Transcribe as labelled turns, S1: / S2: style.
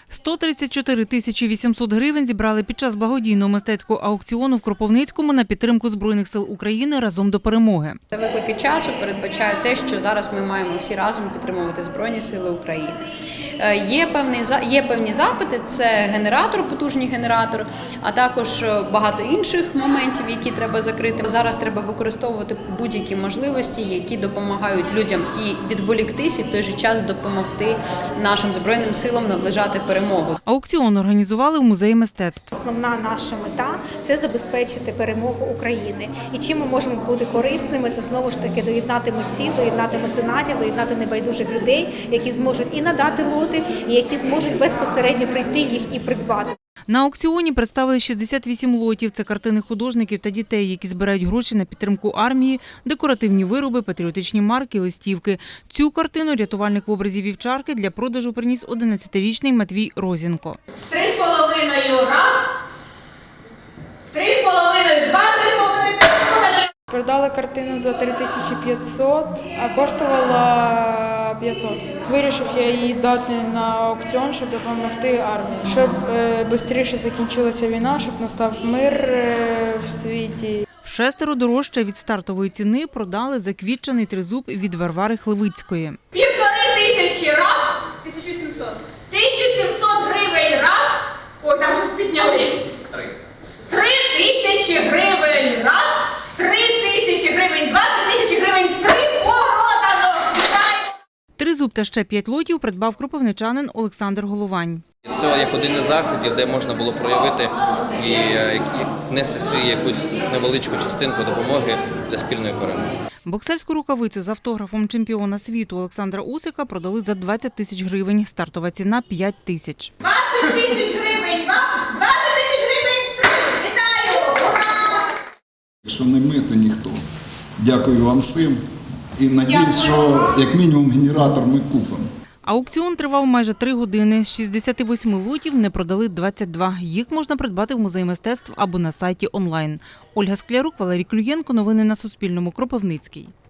S1: 134 тисячі 800 гривень зібрали під час благодійного мистецького аукціону в Кропивницькому на підтримку Збройних сил України «Разом до перемоги».
S2: Виклики часу передбачають те, що зараз ми маємо всі разом підтримувати Збройні сили України. Є певні запити, це генератор, потужний генератор, а також багато інших моментів, які треба закрити. Зараз треба використовувати будь-які можливості, які допомагають людям і відволіктись, і в той же час допомогти нашим Збройним силам наближати перемогу.
S1: Аукціон організували в Музеї мистецтв.
S3: Основна наша мета – це забезпечити перемогу України. І чим ми можемо бути корисними, це знову ж таки доєднати митців, доєднати меценатів, доєднати небайдужих людей, які зможуть і надати лоти, і які зможуть безпосередньо прийти їх і придбати.
S1: На аукціоні представили 68 лотів. Це картини художників та дітей, які збирають гроші на підтримку армії, декоративні вироби, патріотичні марки, листівки. Цю картину рятувальник в образі вівчарки для продажу приніс 11-річний Матвій Розінко.
S4: 3,5 раз, 3,5 два, 3,5 продали.
S5: Продали картину за 3500, а коштувала 500. Вирішив я її дати на аукціон, щоб допомогти армії. Щоб швидше закінчилася війна, щоб настав мир в світі.
S1: Вшестеро дорожче від стартової ціни продали заквітчений тризуб від Варвари Хливицької.
S4: 1500 раз, 1700. 1700 гривень раз, ой, там вже підняли. 3000 гривень раз, 3000 гривень два, 3000 гривень три, продано. Вітаю!
S1: Тризуб та ще 5 лотів придбав кропивничанин Олександр Головань.
S6: Це як один із заходів, де можна було проявити і внести свою якусь невеличку частинку допомоги для спільної перемоги.
S1: Боксерську рукавицю з автографом чемпіона світу Олександра Усика продали за 20 тисяч гривень. Стартова ціна – 5 тисяч.
S4: 20 тисяч гривень два, 20 тисяч гривень три. Вітаю! Ура!
S7: Якщо не ми, то ніхто. Дякую вам всім. І надіюсь, що як мінімум генератор ми купимо.
S1: Аукціон тривав майже 3 години. З 68 лотів не продали 22. Їх можна придбати в Музеї мистецтв або на сайті онлайн. Ольга Склярук, Валерій Клюєнко. Новини на Суспільному. Кропивницький.